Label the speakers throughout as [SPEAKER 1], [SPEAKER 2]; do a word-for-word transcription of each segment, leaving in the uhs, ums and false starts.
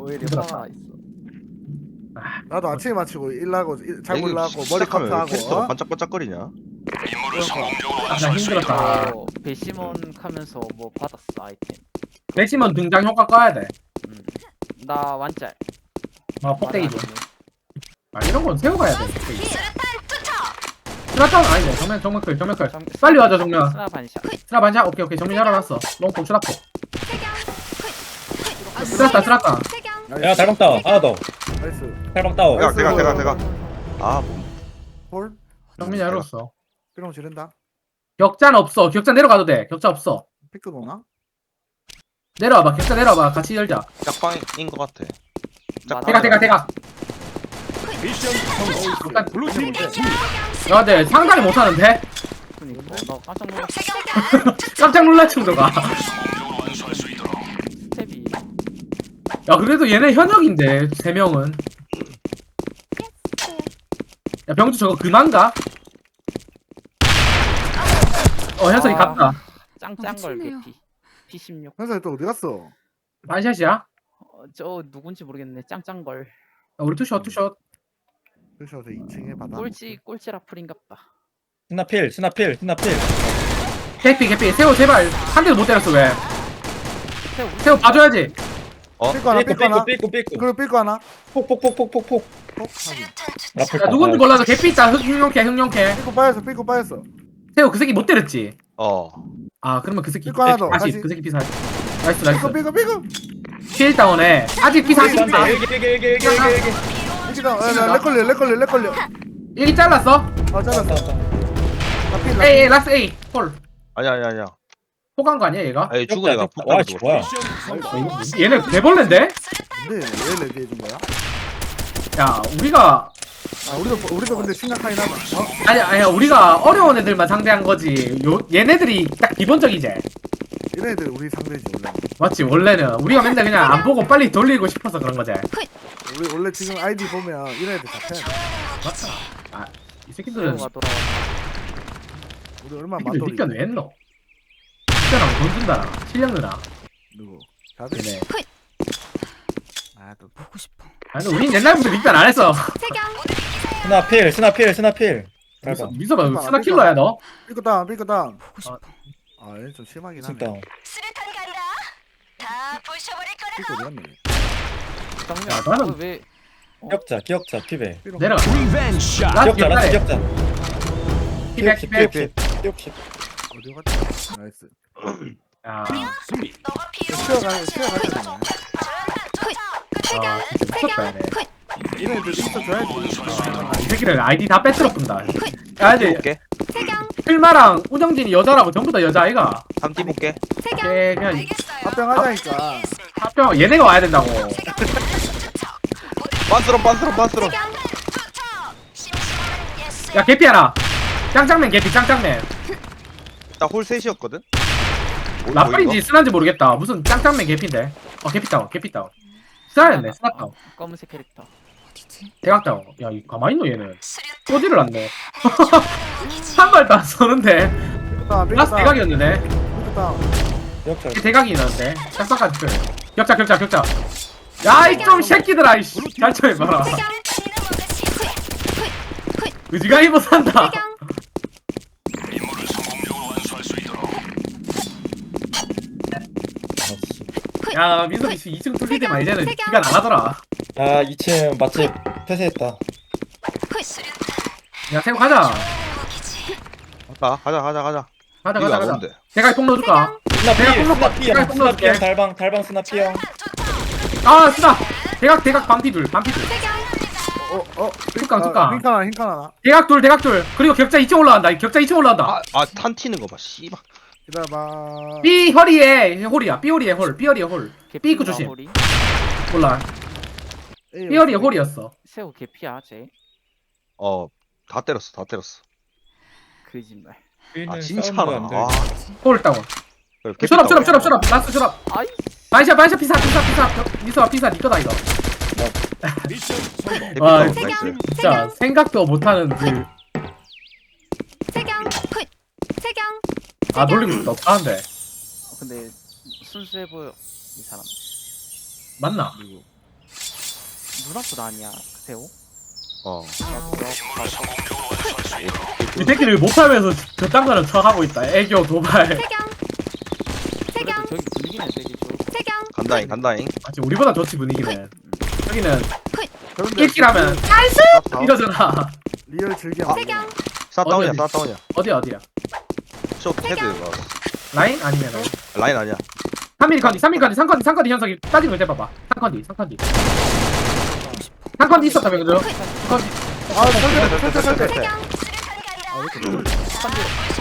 [SPEAKER 1] 오히려
[SPEAKER 2] 힘들었다.
[SPEAKER 1] 화가 있어.
[SPEAKER 3] 나도 아침에 마치고 일하고 일- 잘
[SPEAKER 4] 이거
[SPEAKER 3] 몰라고 머리
[SPEAKER 4] 시작하면 왜
[SPEAKER 3] 커트하고
[SPEAKER 4] 캐릭터가
[SPEAKER 3] 어?
[SPEAKER 4] 반짝반짝거리냐?
[SPEAKER 2] 아, 나 힘들었다.
[SPEAKER 1] 어, 배심원 하면서 뭐 받았어 아이템.
[SPEAKER 2] 맥시멈 등장 효과 꺼야 돼.
[SPEAKER 1] 음. 나 완짤.
[SPEAKER 2] 아, 폭대기 좀.
[SPEAKER 1] 말안 했네.
[SPEAKER 2] 아, 이런 건 세고 가야 돼. 스나탄 아니네. 정면, 정면 클, 정면 클.
[SPEAKER 1] 정-
[SPEAKER 2] 빨리 와줘, 정면.
[SPEAKER 1] 스나 반샷.
[SPEAKER 2] 스나 반샷? 오케이, 오케이. 정면 열어놨어. 롱포, 추락포. 스나탄, 스나탄.
[SPEAKER 5] 야 달방 다운 하나 더
[SPEAKER 3] 나이스
[SPEAKER 5] 달방 다운
[SPEAKER 4] 대각 대각 대각 대각. 아 몸.
[SPEAKER 3] 홀
[SPEAKER 2] 정면 열었어.
[SPEAKER 3] 그럼 지른다
[SPEAKER 2] 격자는 없어. 격자 내려가도 돼. 격자 없어.
[SPEAKER 3] 피크 노나?
[SPEAKER 2] 내려와봐. 격자 내려와봐. 같이 열자.
[SPEAKER 4] 짝방인 것 같아.
[SPEAKER 1] 맞아.
[SPEAKER 2] 대각, 대각, 대각.
[SPEAKER 3] 일단 블루팀 뭔데?
[SPEAKER 2] 야, 근데 상당히 못하는데?
[SPEAKER 1] 그니까 나 깜짝 놀랐어.
[SPEAKER 2] 깜짝 놀랄 정도가.
[SPEAKER 1] 스텝이.
[SPEAKER 2] 야, 그래도 얘네 현역인데, 세 명은. 야, 병주 저거 그만가? 어, 현석이
[SPEAKER 1] 아.
[SPEAKER 2] 갔다.
[SPEAKER 1] 짱짱걸
[SPEAKER 6] 미쳤네요.
[SPEAKER 1] 개피. 피 십육.
[SPEAKER 3] 현석이 또 어디 갔어?
[SPEAKER 2] 반샷이야? 야,
[SPEAKER 1] 어, 저 누군지 모르겠네. 짱짱걸.
[SPEAKER 2] 우리 투샷, 투샷.
[SPEAKER 3] 그래서 저 이 층에 받아
[SPEAKER 1] 꼴찌 꼴찌 라플인갑다.
[SPEAKER 5] 스나필 스나필 스나필
[SPEAKER 2] 개피, 개피. 세호, 제발. 한 대도 못 때렸어, 왜?
[SPEAKER 1] 세우.
[SPEAKER 2] 세호 봐줘야지.
[SPEAKER 4] 어?
[SPEAKER 3] 삐꾸 하나
[SPEAKER 5] 삐꾸
[SPEAKER 3] 삐꾸 하나
[SPEAKER 5] 삐꾸 삐꾸 삐꾸
[SPEAKER 3] 그리고 삐꾸 하나
[SPEAKER 5] 폭폭폭폭폭폭
[SPEAKER 3] 어? 하긴
[SPEAKER 5] 라플
[SPEAKER 2] 야, 누군지 몰라도 개피 있다. 흑- 흑룡캐, 흑룡캐.
[SPEAKER 3] 삐꾸 빠졌어 삐꾸 빠졌어
[SPEAKER 2] 세호, 그 새끼 못 때렸지?
[SPEAKER 4] 어.
[SPEAKER 2] 아, 그러면 그 새끼.
[SPEAKER 3] 삐꾸 하나 더,
[SPEAKER 2] 다시,
[SPEAKER 3] 다시.
[SPEAKER 2] 그 새끼 피사. 나이스,
[SPEAKER 3] 삐꾸
[SPEAKER 2] 나이스.
[SPEAKER 3] 삐꾸 삐꾸
[SPEAKER 2] 피일다운에. 아직 피사
[SPEAKER 3] 삐꾸,
[SPEAKER 2] 아쉽다.
[SPEAKER 5] 일기 일기 일기 일기 일기 일기
[SPEAKER 3] 삐꾸 렉 걸려 렉 걸려 렉 걸려
[SPEAKER 2] 일기 잘랐어?
[SPEAKER 3] 아 잘랐어 나필
[SPEAKER 2] 에이, 에이, 라스 A. 홀.
[SPEAKER 4] 아니야 아니야 아니야.
[SPEAKER 2] 포간 거 아니야, 얘가?
[SPEAKER 4] 아니 죽은 애가
[SPEAKER 5] 와
[SPEAKER 4] 폭탄
[SPEAKER 5] 씨
[SPEAKER 4] 죽었어.
[SPEAKER 5] 뭐야
[SPEAKER 2] 얘네 개벌레인데?
[SPEAKER 3] 근데 왜 레디 해준 거야?
[SPEAKER 2] 야, 우리가
[SPEAKER 3] 아 우리도 우리도 근데 심각하긴 하다 어?
[SPEAKER 2] 아니 아니 우리가 어려운 애들만 상대한 거지. 요 얘네들이 딱 기본적이지.
[SPEAKER 3] 이런 애들 우리 상대지 원래
[SPEAKER 2] 맞지? 원래는 우리가 맨날 그냥 안 보고 빨리 돌리고 싶어서 그런 거지.
[SPEAKER 3] 우리 원래 지금 아이디 보면 이런 애들 잡혀야 돼
[SPEAKER 2] 맞다. 아, 이 새끼들은
[SPEAKER 1] 세우가 돌아왔다.
[SPEAKER 3] 우리 얼마나
[SPEAKER 2] 새끼들
[SPEAKER 3] 만돌이
[SPEAKER 2] 닉변 왜 했노? 닉변하고 돈 준다라. 실력 느나.
[SPEAKER 3] 누구? 다들?
[SPEAKER 2] 얘네.
[SPEAKER 3] 아또
[SPEAKER 6] 보고 싶어.
[SPEAKER 2] 아니 우린 옛날부터 닉변 안 했어.
[SPEAKER 5] 스나필 스나필 스나필 달방
[SPEAKER 2] 미소봐 스나 킬러야 너?
[SPEAKER 3] 삐꾸 다운 삐꾸 다운
[SPEAKER 6] 보고 싶어.
[SPEAKER 3] 아얘좀 심하긴 하네
[SPEAKER 5] 다운
[SPEAKER 7] 수류탄 간다. 다 부셔버릴 거라.
[SPEAKER 3] 삐꾸 어디 갔네
[SPEAKER 1] 정면.
[SPEAKER 2] 야, 나는-
[SPEAKER 1] 어, 왜?
[SPEAKER 5] 기억자 기억자 피베
[SPEAKER 3] 삐로
[SPEAKER 2] 내려가.
[SPEAKER 5] 기억자
[SPEAKER 2] 라스
[SPEAKER 5] 라스
[SPEAKER 2] 옛날에
[SPEAKER 5] 기억자
[SPEAKER 2] 피백 피백.
[SPEAKER 5] 기억십 기억십
[SPEAKER 3] 어디 갔지? 나이스
[SPEAKER 2] 야,
[SPEAKER 7] 너가 필요.
[SPEAKER 3] 쉬어가 쉬어가잖아
[SPEAKER 2] 아 진짜 미쳤다 얘네.
[SPEAKER 3] 이런 애들 있어 줘야지
[SPEAKER 2] 이 새끼들 아이디 다 빼트려 뿐다. 야 이제
[SPEAKER 4] 볼게.
[SPEAKER 2] 필마랑 우정진이 여자라고 전부 다 여자 아이가.
[SPEAKER 4] 삼띠 볼게.
[SPEAKER 2] 걔 그냥
[SPEAKER 7] 알겠어요.
[SPEAKER 3] 합병하자니까
[SPEAKER 2] 합병 얘네가 와야 된다고.
[SPEAKER 4] 빤스런 빤스런 빤스런.
[SPEAKER 2] 야 개피 하나. 짱짱맨 개피 짱짱맨.
[SPEAKER 4] 나홀 셋이었거든. 뭐,
[SPEAKER 2] 라플인지 쓰나인지 모르겠다. 무슨 짱짱맨 개피인데. 어 개피 다운 개피 다운. 쓰나였네 쓰나 다운.
[SPEAKER 1] 검은색 캐릭터.
[SPEAKER 6] 어디지?
[SPEAKER 2] 대각 다운. 야 이 가만히 있노 얘는. 꼬지를 않네. 한 발도 안 쏘는데.
[SPEAKER 3] 삐꾸 다운 삐꾸
[SPEAKER 2] 라스
[SPEAKER 3] 다운
[SPEAKER 2] 대각이었는데.
[SPEAKER 3] 삐꾸 다운
[SPEAKER 5] 기억자
[SPEAKER 2] 이게 대각이 있는데. 짝짝까지 그. 격자 격자 격자. 야이 좀 새끼들아 이씨. 잘 쳐해봐라. 의지가이 못한다. 야 민석이 이 층 뚫릴 때만 이제는 기가 나가더라.
[SPEAKER 5] 아 이 층 맛집 폐쇄했다
[SPEAKER 2] 야 세고 가자.
[SPEAKER 4] 가 가자 가자 가자.
[SPEAKER 2] 가자
[SPEAKER 4] 이거
[SPEAKER 2] 가자
[SPEAKER 4] 안
[SPEAKER 2] 가자.
[SPEAKER 4] 오는데.
[SPEAKER 2] 대각이 뽕 넣어줄까?
[SPEAKER 5] 스나필
[SPEAKER 2] 내가 뽕 넣을까?
[SPEAKER 5] 스나피형
[SPEAKER 2] 내가 뽕 넣어줄게.
[SPEAKER 5] 스나피형 달방 달방 스나피형
[SPEAKER 2] 아 쓰다. 대각 대각 반피둘 반피둘.
[SPEAKER 3] 어어
[SPEAKER 2] 툭강, 툭강.
[SPEAKER 3] 흰칸 하나 흰칸 하나
[SPEAKER 2] 대각 둘 대각 둘. 그리고 격자 이 층 올라간다. 격자 이 층 올라간다.
[SPEAKER 4] 아아탄 튀는 거 봐. 씨발.
[SPEAKER 3] 기다려봐
[SPEAKER 2] B 허리에 홀이야. B 허리에 홀. B 허리에 홀.
[SPEAKER 1] 개피
[SPEAKER 2] 삐꾸 조심.
[SPEAKER 1] 마무리.
[SPEAKER 2] 몰라.
[SPEAKER 3] 에이,
[SPEAKER 2] B 허리에 홀이었어.
[SPEAKER 1] 세우 개피야 쟤.
[SPEAKER 4] 어다 때렸어 다 때렸어.
[SPEAKER 1] 거짓말.
[SPEAKER 4] 아 진짜나. 아.
[SPEAKER 2] 홀 다운.
[SPEAKER 4] 그래,
[SPEAKER 2] 쇼랍 쇼랍
[SPEAKER 4] 개피
[SPEAKER 2] 쇼랍 쇼랍. 라스트 쇼랍.
[SPEAKER 1] 아이.
[SPEAKER 2] 반샷 반샷 피사 피사 피사. 미소아 피사 니꺼다 이거.
[SPEAKER 4] 개피
[SPEAKER 2] 와,
[SPEAKER 4] 다운, 나이스.
[SPEAKER 2] 진짜 생각도 못하는 그.
[SPEAKER 7] 세경 굿. 세경.
[SPEAKER 2] 아 놀리고 싶다. 어떡하는데.
[SPEAKER 1] 어, 근데 순수해 보여 이 사람.
[SPEAKER 2] 맞나?
[SPEAKER 3] 누구
[SPEAKER 1] 누나보다 아니야 세호?
[SPEAKER 4] 어.
[SPEAKER 2] 이 새끼들 못하면서 그딴 거는 척하고 있다. 애교 도발.
[SPEAKER 7] 세경
[SPEAKER 1] 그래도
[SPEAKER 7] 세경
[SPEAKER 1] 저기 분위기는 세겠죠.
[SPEAKER 7] 세경
[SPEAKER 4] 간다잉 간다잉.
[SPEAKER 2] 아직 우리보다 좋지 분위기는. 여기는
[SPEAKER 3] 그런데
[SPEAKER 2] 일킬하면 나이스 이러잖아.
[SPEAKER 3] 리얼 즐겨.
[SPEAKER 4] 아.
[SPEAKER 7] 세경
[SPEAKER 4] 싸다운이야
[SPEAKER 2] 어디, 어디?
[SPEAKER 4] 싸다운이야.
[SPEAKER 2] 어디야 어디야?
[SPEAKER 4] 쇼 헤드 어,
[SPEAKER 2] 라인 아니면 라인.
[SPEAKER 4] 라인 아니야.
[SPEAKER 2] 삼 밀리 컨디, 삼 밀리 컨디, 삼 컨디, 삼 컨디 현석이 따진 걸 때봐봐. 삼 컨디, 삼 컨디. 삼 컨디 있었다며 그죠? 삼 컨디.
[SPEAKER 3] 아 설대 설대 설대.
[SPEAKER 7] 세경 수류탄 간다.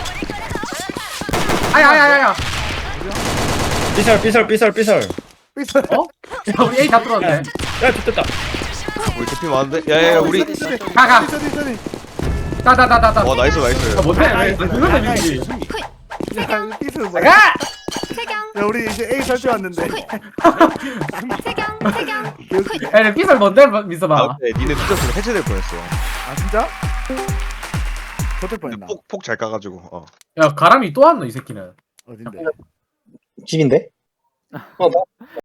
[SPEAKER 2] 아야 아야 아야.
[SPEAKER 5] 삐설 삐설 삐설 삐설.
[SPEAKER 3] 삐설.
[SPEAKER 2] 어? 야 우리 A 다 뚫었네.
[SPEAKER 5] 야 됐다.
[SPEAKER 4] 우리 대피 많은데. 야야야 우리.
[SPEAKER 2] 가 가.
[SPEAKER 3] 삐설이 삐설이.
[SPEAKER 2] 따다다다다.
[SPEAKER 4] 와 나이스 나이스.
[SPEAKER 2] 아, 못해 왜? 그건 되지.
[SPEAKER 3] 야 삐설 뭐야?
[SPEAKER 2] 가.
[SPEAKER 7] 세경
[SPEAKER 3] 야 우리 이제 A 설대 왔는데.
[SPEAKER 7] 세경 세경
[SPEAKER 3] 개웃기네.
[SPEAKER 2] 야 삐설 뭔데
[SPEAKER 4] 아
[SPEAKER 2] 미스봐.
[SPEAKER 4] 근데 니네 늦었으면 해체될 뻔했어.
[SPEAKER 3] 아 진짜? 저될 뻔했나?
[SPEAKER 4] 폭폭 잘 까가지고. 어.
[SPEAKER 2] 야 가람이 또 왔노 이 새끼는.
[SPEAKER 3] 어딘데?
[SPEAKER 5] 집인데?